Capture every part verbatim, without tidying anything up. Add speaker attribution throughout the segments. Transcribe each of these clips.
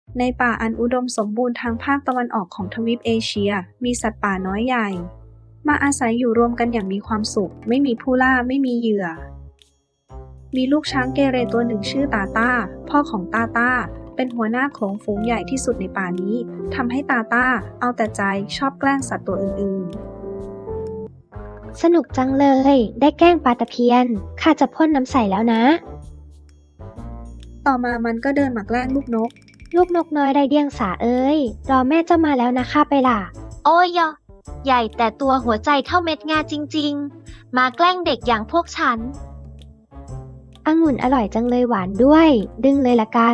Speaker 1: ในป่าอันอุดมสมบูรณ์ทางภาคตะวันออกของทวีปเอเชียมีสัตว์ป่าน้อยใหญ่มาอาศัยอยู่รวมกันอย่างมีความสุขไม่มีผู้ล่าไม่มีเหยื่อมีลูกช้างเกเรตัวหนึ่งชื่อตาต้าพ่อของตาต้าเป็นหัวหน้าโขลงฝูงใหญ่ที่สุดในป่านี้ทำให้ตาต้าเอาแต่ใจชอบแกล้งสัตว์ตัวอื่น
Speaker 2: สนุกจังเลยได้แกล้งปลาตะเพียนข้าจะพ่นน้ำใส่แล้วนะ
Speaker 1: ๆต่อมามันก็เดินมาแกล้งลูกนก
Speaker 2: ลูกนกน้อยไร้เดียงสาเอ้ยรอแม่เจ้ามาแล้วนะข้าไปล่ะ
Speaker 3: โอ้ยยะใหญ่แต่ตัวหัวใจเท่าเม็ดงาจริงๆมาแกล้งเด็กอย่างพวกฉัน
Speaker 2: องุ่นอร่อยจังเลยหวานด้วยดึงเลยละกัน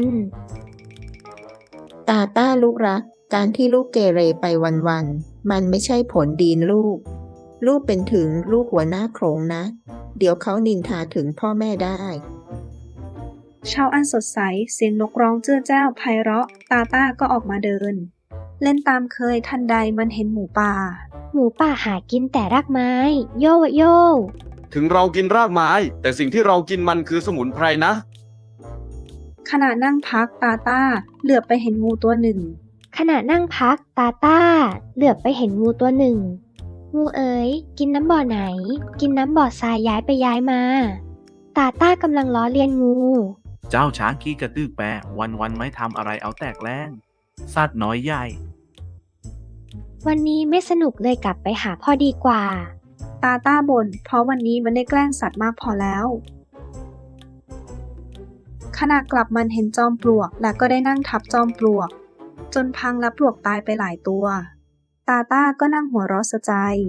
Speaker 4: ตาต้าลูกรักการที่ลูกเกเรไปวันๆมันไม่ใช่ผลดีนลูกลูกเป็นถึงลูกหัวหน้าโขลงนะเดี๋ยวเขานินทาถึงพ่อแม่ได้
Speaker 1: เช้าอันสดใสเสียงนกร้องเจ้อแจ้วไพเราะตาต้าก็ออกมาเดินเล่นตามเคยทันใดมันเห็นหมูป่า
Speaker 2: หมูป่าหากินแต่รากไม้โยโย่
Speaker 5: ถึงเรากินรากไม้แต่สิ่งที่เรากินมันคือสมุนไพรนะ
Speaker 1: ขณะนั่งพักตาต้าเหลือบไปเห็นงูตัวหนึ่ง
Speaker 2: ขณะนั่งพักตาต้าเหลือบไปเห็นงูตัวหนึ่งงูเอ๋ยกินน้ำบ่อไหนกินน้ำบ่อทรายย้ายไปย้ายมาตาต้ากำลังล้อเลียนงู
Speaker 6: เจ้าช้างขี้กระตือกแปะวันวันไม่ทำอะไรเอาแตกแล้งสัตว์น้อยใหญ่
Speaker 2: วันนี้ไม่สนุกเลยกลับไปหาพ่อดีกว่า
Speaker 1: ตาต้าบ่นเพราะวันนี้มันได้แกล้งสัตว์มากพอแล้วขณะกลับมันเห็นจอมปลวกและก็ได้นั่งทับจอมปลวกจนพังและปลวกตายไปหลายตัวตาต้าก็นั่งหัวเราะเสียใจ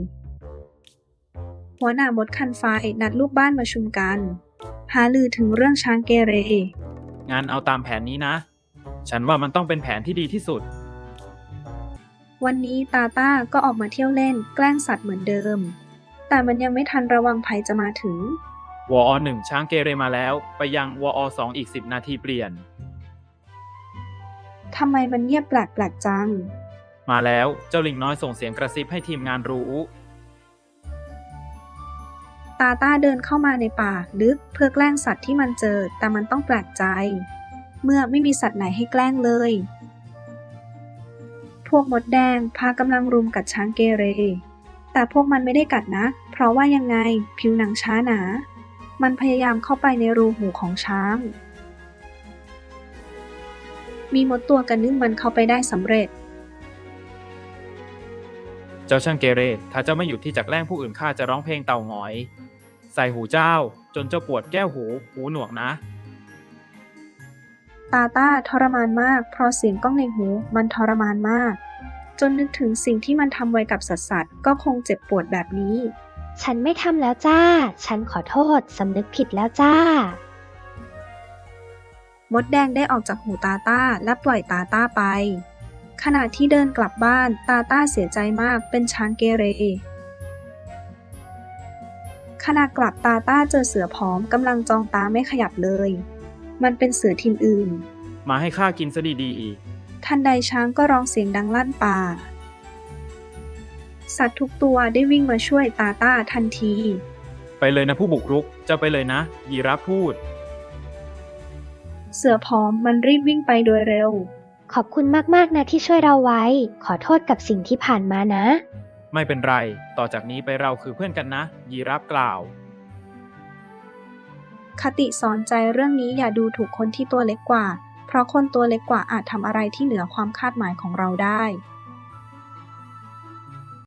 Speaker 1: หัวหน้ามดคันไฟนัดลูกบ้านมาชุมกันหารือถึงเรื่องช้างเกเร
Speaker 6: งานเอาตามแผนนี้นะฉันว่ามันต้องเป็นแผนที่ดีที่สุด
Speaker 1: วันนี้ตาต้าก็ออกมาเที่ยวเล่นแกล้งสัตว์เหมือนเดิมแต่มันยังไม่ทันระวังภัยจะมาถึง
Speaker 6: วอหนึ่งช้างเกเรมาแล้วไปยังวอสองอีกสิบนาทีเปลี่ยน
Speaker 1: ทำไมมันเงียบแปลกๆจัง
Speaker 6: มาแล้วเจ้าลิงน้อยส่งเสียงกระซิบให้ทีมงานรู้
Speaker 1: ตาต้าเดินเข้ามาในป่าลึกเพื่อแกล้งสัตว์ที่มันเจอแต่มันต้องแปลกใจเมื่อไม่มีสัตว์ไหนให้แกล้งเลยพวกมดแดงพากำลังรุมกัดช้างเกเรแต่พวกมันไม่ได้กัดนะเพราะว่ายังไงผิวหนังช้าหนามันพยายามเข้าไปในรูหูของช้างมีมดตัวกันนึงมันเข้าไปได้สำเร็จ
Speaker 6: เจ้าช่างเกเรถ้าเจ้าไม่หยุดที่จะแกล้งผู้อื่นข้าจะร้องเพลงเต่าหงอยใส่หูเจ้าจนเจ้าปวดแก้วหูหูหนวกนะ
Speaker 1: ตาต้าทรมานมากเพราะเสียงก้องในหูมันทรมานมากจนนึกถึงสิ่งที่มันทำไว้กับสัตว์สัตว์ก็คงเจ็บปวดแบบนี้
Speaker 2: ฉันไม่ทำแล้วจ้าฉันขอโทษสำนึกผิดแล้วจ้าม
Speaker 1: ดแดงได้ออกจากหูตาต้าและปล่อยตาต้าไปขณะที่เดินกลับบ้านตาต้าเสียใจมากเป็นช้างเกเรขณะกลับตาต้าเจอเสือผอมกำลังจ้องตาไม่ขยับเลยมันเป็นเสือถิ่นอื่น
Speaker 6: มาให้ข้ากินซะดีๆอีก
Speaker 1: ทันใดช้างก็ร้องเสียงดังลั่นป่าสัตว์ทุกตัวได้วิ่งมาช่วยตาต้าทันที
Speaker 6: ไปเลยนะผู้บุกรุกเจ้าไปเลยนะยีราฟพูด
Speaker 1: เสือผอมมันรีบวิ่งไปโดยเร็ว
Speaker 2: ขอบคุณมากๆนะที่ช่วยเราไว้ขอโทษกับสิ่งที่ผ่านมานะ
Speaker 6: ไม่เป็นไรต่อจากนี้ไปเราคือเพื่อนกันนะยีราฟกล่าว
Speaker 1: คติสอนใจเรื่องนี้อย่าดูถูกคนที่ตัวเล็กกว่าเพราะคนตัวเล็กกว่าอาจทำอะไรที่เหนือความคาดหมายของเราได้